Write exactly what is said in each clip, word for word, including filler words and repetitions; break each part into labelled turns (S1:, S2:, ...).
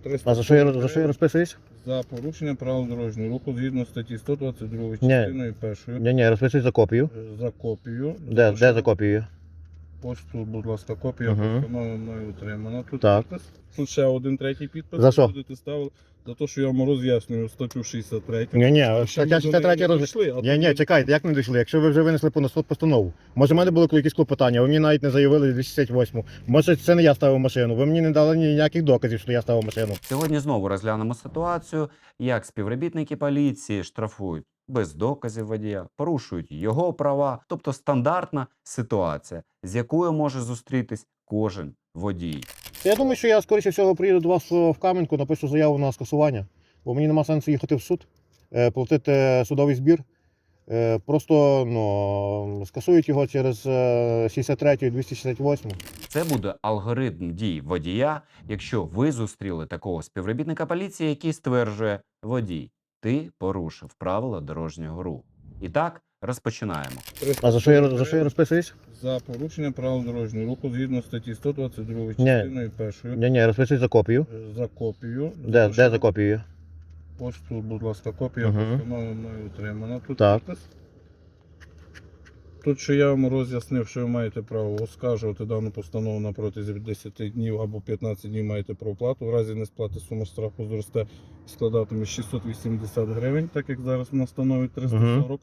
S1: А за що я, за що я розписуюсь?
S2: За порушення правил дорожнього руху згідно статті сто двадцять два частиною першою.
S1: Ні, ні, розписуюсь за копію.
S2: За копію.
S1: Де, де за копію?
S2: Ось тут, будь ласка, копія
S1: Угу.
S2: постанови мною отримана. Тут
S1: Так.
S2: підпис. Тут ще один третій підпис.
S1: За що?
S2: Будете ставили. За те, що я вам роз'яснюю статтю шістдесят три.
S1: Ні, ні,
S2: Ще
S1: стаття
S2: ми до
S1: шістдесят
S2: неї
S1: три
S2: не
S1: роз...
S2: дійшли, а
S1: Ні, ні,
S2: тут-
S1: чекайте, як не дійшли? Якщо ви вже винесли по суд постанову. Може, в мене було якісь клопотання, ви мені навіть не заявили двісті шістдесят восьму. Може, це не я ставив машину. Ви мені не дали ніяких доказів, що я ставив машину.
S3: Сьогодні знову розглянемо ситуацію, як співробітники поліції штрафують без доказів водія, порушують його права, тобто стандартна ситуація, з якою може зустрітись кожен водій.
S1: Я думаю, що я, скоріше всього, приїду до вас в Кам'янку, напишу заяву на скасування, бо мені нема сенсу їхати в суд, е, платити судовий збір. Е, Просто ну, скасують його через е, шістдесят три і двісті шістдесят восьму.
S3: Це буде алгоритм дій водія, якщо ви зустріли такого співробітника поліції, який стверджує: водій, ти порушив правила дорожнього руху. І так, розпочинаємо.
S1: А за що я, за що я розписуюсь?
S2: За порушення правил дорожнього руху згідно статті сто двадцять два
S1: Ні.
S2: частиною першою.
S1: Ні, ні, розписуюсь за копію.
S2: За копію.
S1: Де, де за копію?
S2: Ось тут, будь ласка, копія
S1: Угу.
S2: постанови мною отримана. Тут
S1: Так.
S2: підпис. Тут, що я вам роз'яснив, що ви маєте право оскаржувати дану постанову на протязі десяти днів або п'ятнадцяти днів маєте про оплату. В разі несплати сума штрафу зросте і складатиме шістсот вісімдесят гривень, так як зараз вона становить триста сорок.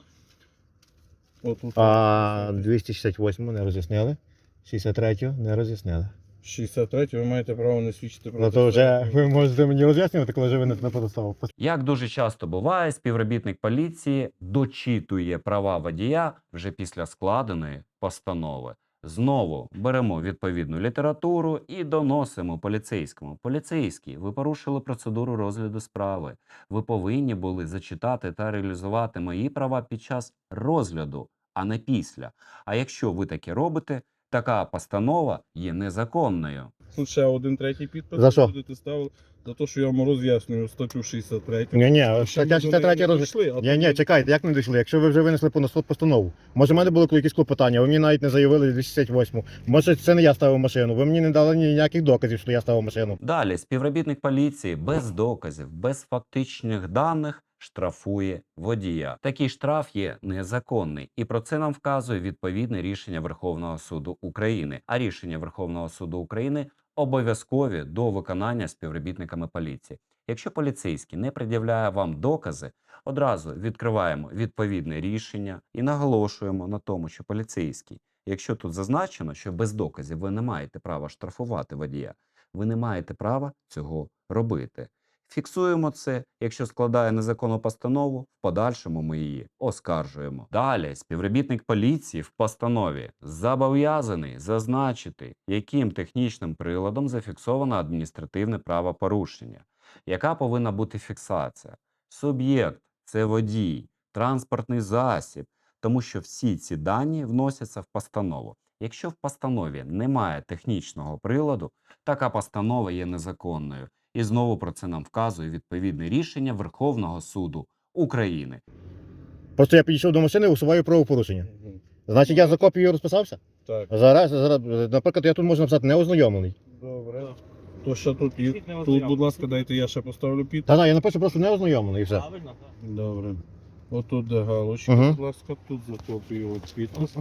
S2: Отут
S1: А двісті шістдесят восьму не роз'яснили. шістдесят третю не роз'яснили.
S2: шістдесят три ви маєте право не свідчити про
S1: Ну то вже ви можете мені роз'яснювати, коли вже винесли постанову.
S3: Як дуже часто буває, співробітник поліції дочитує права водія вже після складеної постанови. Знову беремо відповідну літературу і доносимо поліцейському. Поліцейський, ви порушили процедуру розгляду справи. Ви повинні були зачитати та реалізувати мої права під час розгляду, а не після. А якщо ви таке робите, така постанова є незаконною.
S2: Тут ще один третій підпис.
S1: За що?
S2: Будете ставили за те, що я вам роз'яснюю статтю шістдесят три.
S1: Ні, ні,
S2: Ще
S1: стаття
S2: ми до
S1: шістдесят
S2: неї
S1: три
S2: не
S1: роз...
S2: дійшли, а
S1: Ні, ні,
S2: тут-
S1: чекайте, як не дійшли? Якщо ви вже винесли по суд постанову. Може, в мене було якісь клопотання, ви мені навіть не заявили двісті шістдесят восьму. Може, це не я ставив машину. Ви мені не дали ніяких доказів, що я ставив машину.
S3: Далі співробітник поліції без доказів, без фактичних даних штрафує водія. Такий штраф є незаконний, і про це нам вказує відповідне рішення Верховного суду України. А рішення Верховного суду України обов'язкові до виконання співробітниками поліції. Якщо поліцейський не пред'являє вам докази, одразу відкриваємо відповідне рішення і наголошуємо на тому, що поліцейський, якщо тут зазначено, що без доказів ви не маєте права штрафувати водія, ви не маєте права цього робити. Фіксуємо це, якщо складає незаконну постанову, в подальшому ми її оскаржуємо. Далі співробітник поліції в постанові зобов'язаний зазначити, яким технічним приладом зафіксовано адміністративне правопорушення. Яка повинна бути фіксація? Суб'єкт – це водій, транспортний засіб, тому що всі ці дані вносяться в постанову. Якщо в постанові немає технічного приладу, така постанова є незаконною. І знову про це нам вказує відповідне рішення Верховного суду України.
S1: Просто я підійшов до машини і усуваю правопорушення.
S2: Мгм.
S1: Значить, я за копією розписався?
S2: Так,
S1: Зараз, зараз, наприклад, я тут можу написати неознайомлений.
S2: добре. То що тут є? Тут, будь ласка, дайте я ще поставлю підпис.
S1: Та, та, я напишу просто неознайомлений і все.
S4: Правильно, так.
S2: Добре. Отут де галочка,
S1: Мгм.
S2: будь ласка, тут за копію от підпис.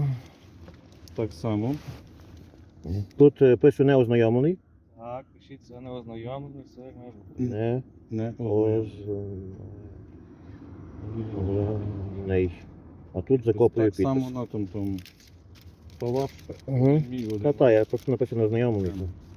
S2: Так само.
S1: Тут е, пишу неознайомлений.
S4: Так, пишіть, це не ознайомлений, все має бути.
S1: Не
S2: Не
S1: ознайомлений. А тут за копією
S2: Так само
S1: підпис.
S2: на тому тому. То ваш
S1: Угу.
S2: мій один.
S1: Та, та, я просто напишу неознайомлений.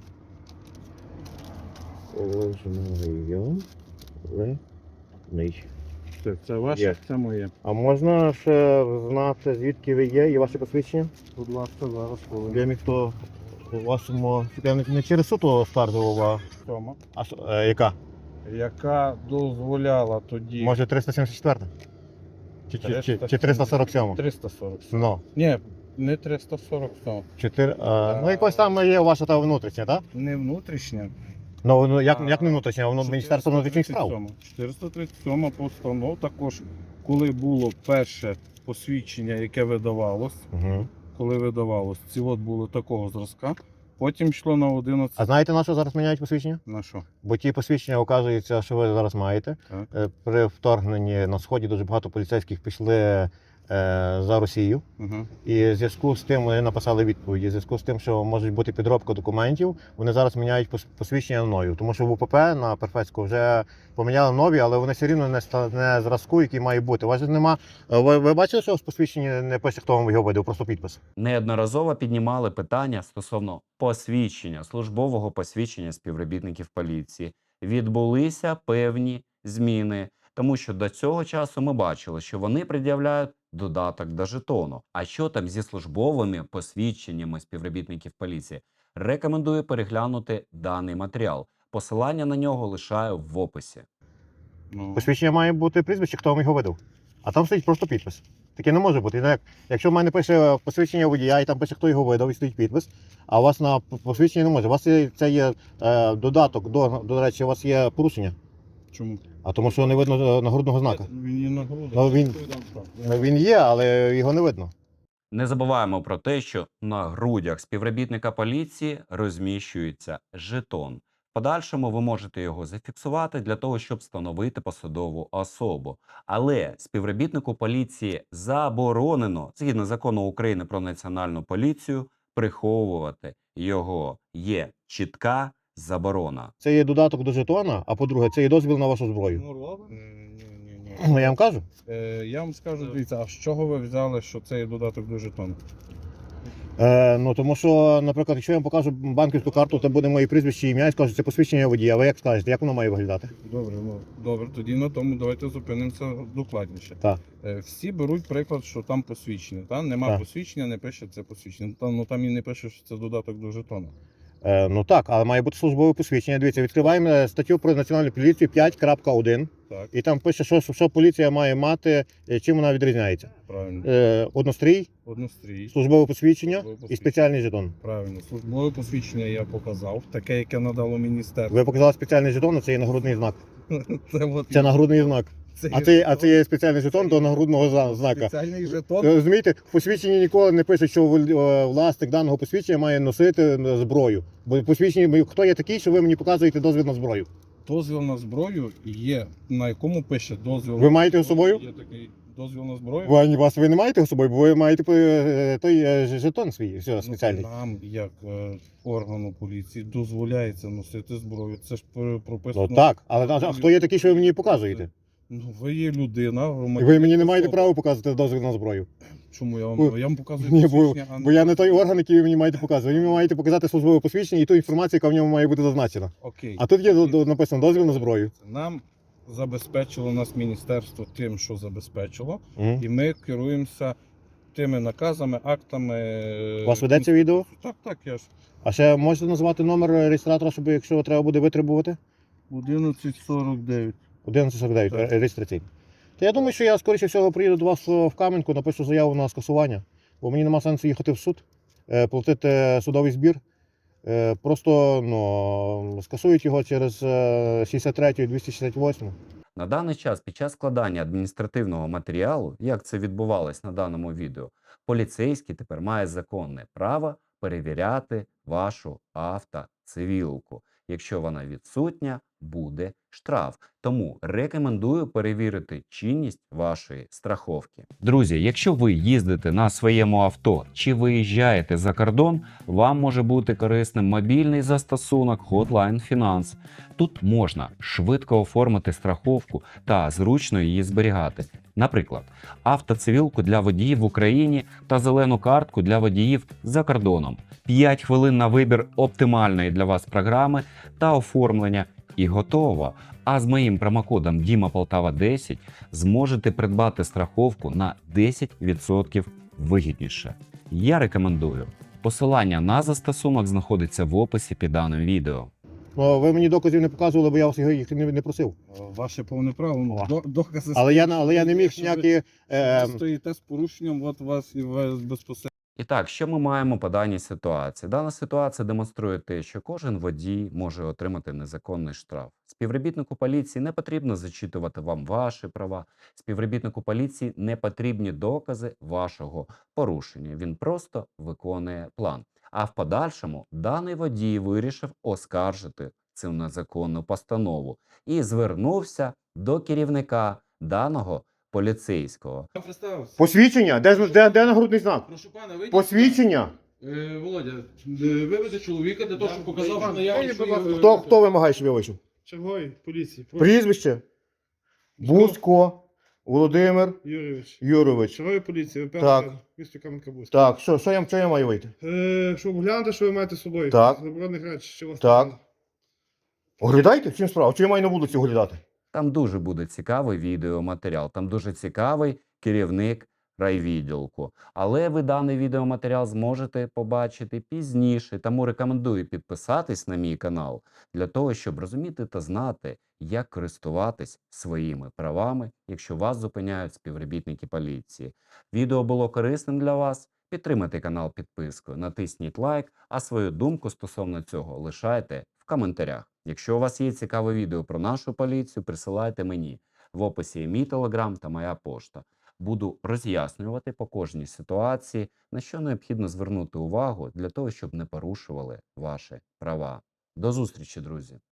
S1: Ознайомлений.
S2: Це, це ваше,
S1: Є.
S2: це моє.
S1: А можна ще знати, звідки ви є і ваше посвідчення?
S2: Будь ласка, зараз коли.
S1: Я міг то у вашому... Я не, не через суд оскаржував, а...
S2: Тома.
S1: а с- е, яка?
S2: Яка дозволяла тоді.
S1: Може триста сімдесят четверта? Чи, чи, чи, чи триста сорок сьома?
S2: триста сорок.
S1: Ну,
S2: Ні, не триста сорок сьом.
S1: чотири, а, ну якось там є ваша та внутрішня, так?
S2: Не внутрішня.
S1: Ну, ну як,
S2: А,
S1: як не внутрішня, воно Міністерство внутрішніх справ.
S2: чотириста тридцять сьома постанова також, коли було перше посвідчення, яке видавалось,
S1: Угу.
S2: коли видавалось, ці от були такого зразка, Потім йшло на одинадцять.
S1: А знаєте, на що зараз міняють посвідчення?
S2: На що?
S1: Бо ті посвідчення, оказується, що ви зараз маєте.
S2: Так.
S1: Е, При вторгненні на Сході дуже багато поліцейських пішли е, за Росію.
S2: Угу.
S1: І в зв'язку з тим вони написали відповіді. В зв'язку з тим, що може бути підробка документів, вони зараз міняють пос- посвідчення на нові. Тому що в УПП на Перфецьку вже поміняли нові, але вони все рівно не, ста- не зразку, який має бути. У вас же нема. Ви, ви бачили, що в посвідченні не пише, хто вам його видав, просто підпис.
S3: Неодноразово піднімали питання стосовно посвідчення, службового посвідчення співробітників поліції. Відбулися певні зміни, тому що до цього часу ми бачили, що вони пред'являють додаток до жетону. А що там зі службовими посвідченнями співробітників поліції? Рекомендую переглянути даний матеріал. Посилання на нього лишаю в описі.
S2: Ну,
S1: Посвідчення має бути прізвище, хто вам його видав. А там стоїть просто підпис. Таке не може бути. Як- Якщо в мене пише посвідчення водія, і там пише, хто його видав, і стоїть підпис, а у вас на посвідченні не може. У вас є, це є е, додаток, до, до речі, у вас є порушення.
S2: чому?
S1: А тому що не видно нагрудного знака.
S2: Він є на грудах.
S1: Ну, він-
S2: Відповідам справ.
S1: Ну, він є, але його не видно.
S3: Не забуваємо про те, що на грудях співробітника поліції розміщується жетон. В подальшому ви можете його зафіксувати для того, щоб встановити посадову особу. Але співробітнику поліції заборонено, згідно закону України про національну поліцію, приховувати його. Є чітка заборона.
S1: Це є додаток до жетона, а по-друге, це є дозвіл на вашу зброю.
S2: Ну, робить? Ні, ні, ні.
S1: Ну, я вам кажу.
S2: Е, я вам скажу, дивіться, а з чого ви взяли, що це є додаток до жетону?
S1: Е, ну, тому що, наприклад, якщо я вам покажу банківську карту, то буде моє прізвище, ім'я, і скажуть, це посвідчення водія. А ви як скажете, як воно має виглядати?
S2: Добре, ну добре, тоді на тому давайте зупинимося докладніше.
S1: Так.
S2: Е, всі беруть приклад, що там посвідчення. Там нема
S1: Так.
S2: посвідчення, не пише це посвідчення. Там, ну там і не пише, що це додаток до жетону.
S1: Е, ну так, але має бути службове посвідчення. Дивіться, відкриваємо е, статтю про національну поліцію п'ять крапка один.
S2: Так,
S1: І там пише, що, що поліція має мати, е, чим вона відрізняється.
S2: правильно.
S1: Е, однострій,
S2: Однострій.
S1: службове посвідчення
S2: Службове
S1: і
S2: посвідчення.
S1: спеціальний жетон.
S2: Правильно. Службове посвідчення я показав, таке, яке надало міністерство.
S1: Ви показали спеціальний жетон, а це є нагрудний знак.
S2: Це, от,
S1: Це нагрудний знак.
S2: це
S1: А
S2: є
S1: це, а
S2: жетон.
S1: це є спеціальний жетон до нагрудного зна- знака.
S2: Спеціальний жетон.
S1: Е, Розумієте, в посвідченні ніколи не пише, що вол- е, власник даного посвідчення має носити е, зброю. Бо в посвідченні, хто є такий, що ви мені показуєте дозвіл на зброю?
S2: Дозвіл на зброю є, на якому пише дозвіл.
S1: Ви маєте з собою?
S2: Є такий дозвіл на зброю.
S1: Ви, вас ви не маєте з собою, бо ви маєте е, той е, ж- жетон свій, все,
S2: Ну,
S1: спеціальний.
S2: Нам, як е, органу поліції, дозволяється носити зброю. Це ж пр- прописано.
S1: Ну так, але а хто є такий, що ви мені показуєте?
S2: Ну, ви є людина,
S1: І
S2: громадянин.
S1: ви мені не маєте
S2: особа.
S1: права показувати дозвіл на зброю.
S2: Чому я
S1: Бо-
S2: вам, я вам показую
S1: Ні, бо,
S2: посвідчення, а
S1: бо я не той орган, який ви мені маєте показувати. Ви мені маєте показати службове посвідчення і ту інформацію, яка в ньому має бути зазначена.
S2: Окей.
S1: А тут є до- до- написано дозвіл на зброю.
S2: Нам забезпечило нас міністерство тим, що забезпечило,
S1: Мгм.
S2: і ми керуємося тими наказами, актами. е,
S1: У вас ведеться відео?
S2: Так, так, я ж.
S1: А ще можете назвати номер реєстратора, щоб якщо треба буде витребувати?
S2: одинадцять сорок дев'ять.
S1: одинадцять сорок дев'ять,
S2: Так.
S1: ре- реєстраційний. То я думаю, що я скоріше всього приїду до вас в Кам'янку, напишу заяву на скасування, бо мені нема сенсу їхати в суд, е, платити судовий збір. Е, Просто ну, скасують його через е, шістдесят третю, двісті шістдесят восьму.
S3: На даний час під час складання адміністративного матеріалу, як це відбувалось на даному відео, поліцейський тепер має законне право перевіряти вашу автоцивілку. Якщо вона відсутня, буде штраф. Тому рекомендую перевірити чинність вашої страховки. Друзі, якщо ви їздите на своєму авто чи виїжджаєте за кордон, вам може бути корисним мобільний застосунок Hotline Finance. Тут можна швидко оформити страховку та зручно її зберігати. Наприклад, автоцивілку для водіїв в Україні та зелену картку для водіїв за кордоном. п'ять хвилин на вибір оптимальної для вас програми та оформлення і готово. А з моїм промокодом Діма Полтава десять зможете придбати страховку на десять відсотків вигідніше. Я рекомендую. Посилання на застосунок знаходиться в описі під даним відео.
S1: Ну, ви мені доказів не показували, бо я вас їх не, не просив.
S2: Ваше повне право. ну,
S1: О.
S2: до- Докази.
S1: Але я, але я не міг
S2: Якщо ви-
S1: ніякі. Е,
S2: Ви стоїте з порушенням, от вас і вас безпосередньо.
S3: І так, що ми маємо по даній ситуації? Дана ситуація демонструє те, що кожен водій може отримати незаконний штраф. Співробітнику поліції не потрібно зачитувати вам ваші права. Співробітнику поліції не потрібні докази вашого порушення. Він просто виконує план. А в подальшому даний водій вирішив оскаржити цю незаконну постанову і звернувся до керівника даного поліцейського.
S2: Я представився.
S1: Посвідчення? Де, ж- де, де нагрудний знак?
S2: Прошу пана, вийдіть.
S1: Посвідчення?
S2: Е, Володя, е, виведи чоловіка для того, щоб показав, що наявність.
S1: Хто, хто вимагає, щоб я вийшов?
S5: Черговий поліції.
S1: Прізвище? Бузько Володимир
S5: Юрійович.
S1: Юрович.
S5: Черговий поліції, ВП
S1: Так.
S5: місто Кам'янка-Бузька.
S1: Так, що, що, я, що я маю вийти?
S5: Е, щоб глянути, що ви маєте з собою.
S1: Так.
S5: Заборонених речей, що у вас
S1: Так.
S5: там.
S1: Оглядайте? В чим справа? Чи я маю на вулиці оглядати?
S3: Там дуже буде цікавий відеоматеріал, там дуже цікавий керівник райвідділку. Але ви даний відеоматеріал зможете побачити пізніше, тому рекомендую підписатись на мій канал для того, щоб розуміти та знати, як користуватись своїми правами, якщо вас зупиняють співробітники поліції. Відео було корисним для вас? Підтримайте канал підпискою, натисніть лайк, а свою думку стосовно цього лишайте в коментарях. Якщо у вас є цікаве відео про нашу поліцію, присилайте мені. В описі є мій телеграм та моя пошта. Буду роз'яснювати по кожній ситуації, на що необхідно звернути увагу для того, щоб не порушували ваші права. До зустрічі, друзі!